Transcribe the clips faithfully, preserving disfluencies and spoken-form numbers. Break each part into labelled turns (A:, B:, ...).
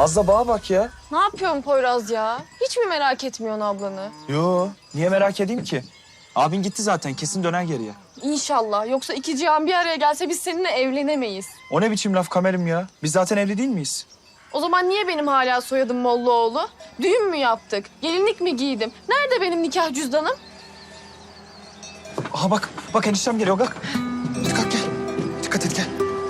A: Az da bağa bak ya.
B: Ne yapıyorsun Poyraz ya? Hiç mi merak etmiyorsun ablanı?
A: Yo, niye merak edeyim ki? Abin gitti zaten, kesin döner geriye.
B: İnşallah. Yoksa iki cihan bir araya gelse biz seninle evlenemeyiz.
A: O ne biçim laf Kamerim ya? Biz zaten evli değil miyiz?
B: O zaman niye benim hala soyadım Mollaoğlu? Düğün mü yaptık? Gelinlik mi giydim? Nerede benim nikah cüzdanım?
A: Aha bak, bak eniştem geliyor kalk. Hadi kalk gel. Dikkat et gel.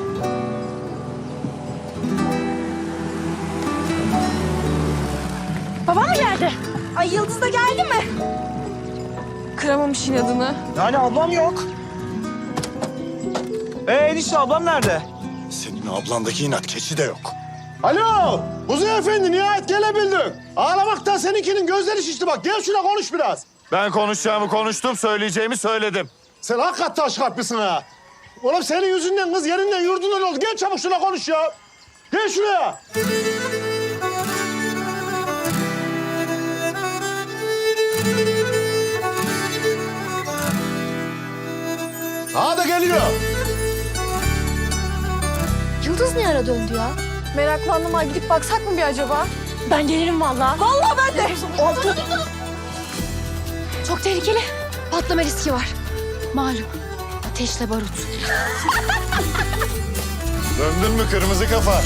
B: Babam mı geldi? Ay Yıldız da geldi mi? Kıramamış inadını.
A: Yani ablam yok. Ee enişte ablam nerede?
C: Senin ablandaki inat keçi de yok.
D: Alo, Kuzey Efendi nihayet gelebildin. Ağlamaktan seninkinin gözleri şişti bak. Gel şuna konuş biraz.
C: Ben konuşacağımı konuştum, söyleyeceğimi söyledim.
D: Sen hakikaten taş kalplisin ha. Oğlum senin yüzünden kız yerinden yurdundan oldu. Gel çabuk şuna konuş ya. Gel şuraya. Ha da geliyor.
B: Yıldız ne ara döndü ya? Meraklandım ha. Gidip baksak mı bir acaba? Ben gelirim vallahi. Vallahi ben de. Oldu. Çok tehlikeli. Patlama riski var. Malum. Ateşle barut.
C: Döndün mü kırmızı kafa?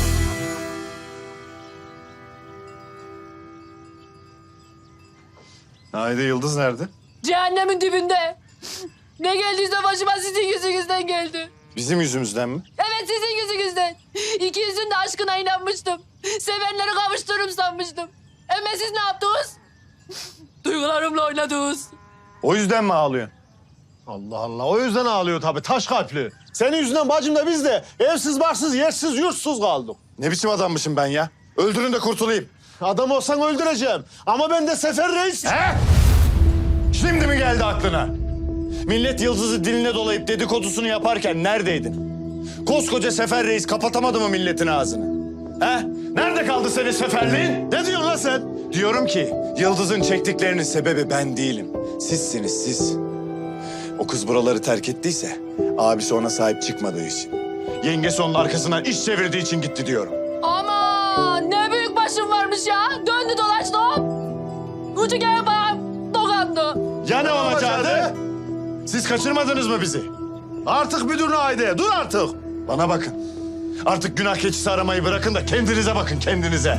C: Haydi Yıldız nerede?
B: Cehennemin dibinde. Ne geldiyse başıma sizin yüzünüzden geldi.
C: Bizim yüzümüzden mi?
B: Evet sizin yüzünüzden. İkinizin de aşkına inanmıştım. Sevenleri kavuştururum sanmıştım. Ama siz ne yaptınız? Duygularımla oynadınız.
C: O yüzden mi ağlıyorsun?
D: Allah Allah. O yüzden ağlıyor tabii. Taş kalpli. Senin yüzünden bacım da biz de evsiz, barsız, yersiz, yurtsuz kaldık.
C: Ne biçim adammışım ben ya? Öldürün de kurtulayım.
D: Adam olsan öldüreceğim. Ama ben de Sefer Reis...
C: He? Şimdi mi geldi aklına? Millet Yıldız'ı diline dolayıp dedikodusunu yaparken neredeydin? Koskoca Sefer Reis kapatamadı mı milletin ağzını? He? Nerede kaldı senin seferliğin?
D: Ne diyorsun lan sen?
C: Diyorum ki Yıldız'ın çektiklerinin sebebi ben değilim. Sizsiniz siz. O kız buraları terk ettiyse abisi ona sahip çıkmadığı için. Yengesi onun arkasından iş çevirdiği için gitti diyorum.
B: Aman ne büyük başım varmış ya. Döndü dolaştı hop. Ucu gel bak. Dokandı.
C: Ya ne olacaktı? Siz kaçırmadınız mı bizi?
D: Artık müdürüne haydi. Dur artık.
C: Bana bakın. Artık günah keçisi aramayı bırakın da kendinize bakın kendinize.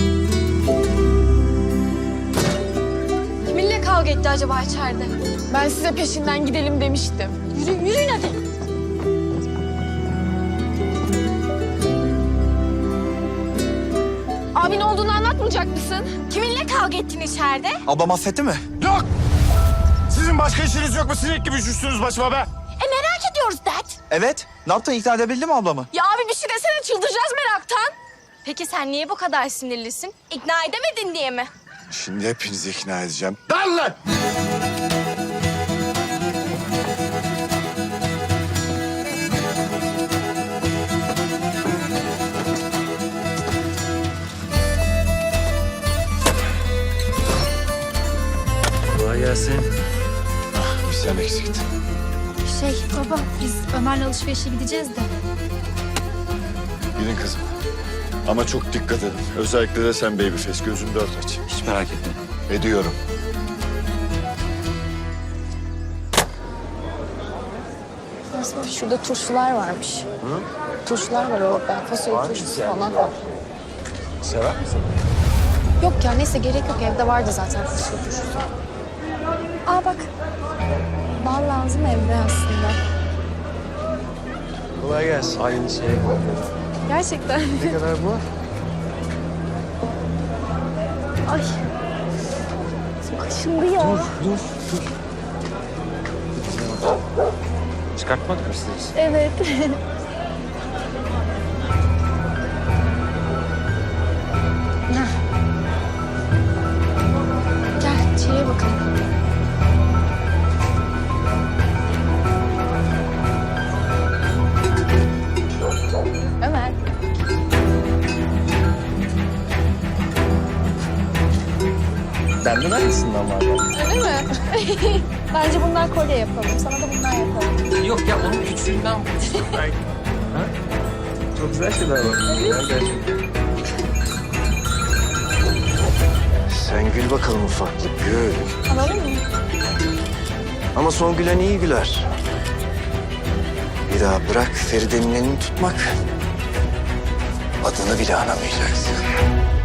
B: Kiminle kavga etti acaba içeride? Ben size peşinden gidelim demiştim. Yürü, yürüyün hadi. Abin olduğunu anlatmayacak mısın? Kiminle kavga ettin içeride?
A: Ablam affetti mi?
C: Yok! Sizin başka işiniz yok mu? Sinek gibi üşüştünüz başıma be.
B: E merak ediyoruz dert.
A: Evet. Ne yaptın, ikna edebildin mi ablamı?
B: Ya abi bir şey desene çıldıracağız meraktan.
E: Peki sen niye bu kadar sinirlisin? İkna edemedin diye mi?
C: Şimdi hepinizi ikna edeceğim.
D: Lan lan!
A: Kolay gelsin.
C: Bir sen eksiktin.
F: Şey baba biz Ömer'le alışverişe gideceğiz de.
C: Gidin kızım. Ama çok dikkat edin. Özellikle de sen babyface. Gözünü dört aç.
A: Hiç merak etme.
C: Ediyorum.
E: Şurada turşular varmış. Hı? Turşular var orada. Fasulye turşusu falan var.
A: Sever misin?
E: Yok ya neyse gerek yok. Evde vardı zaten fasulye turşusu. Aa bak. Bal lazım evde aslında.
A: Kolay gelsin. Aynı şey.
E: Gerçekten.
A: Ne kadar bu?
E: Ay. Kaşındı ya.
A: Dur, dur. Çıkartmak mı istiyorsun?
E: Evet. Gel içeriye bakalım. Ömer.
A: Benden aynısından var.
E: Öyle mi? Bence bundan kolye yapalım. Sana da bundan yapalım.
A: Yok ya, onun küçüğünden buluştuk belki. Ha? Çok güzel şeyler var. Güzel gerçekten.
G: Hani gül bakalım ufaklık, gül.
E: Alalım mı?
G: Ama son gülen iyi güler. Bir daha bırak Feride'nin elini tutmak. Adını bile anamayacaksın.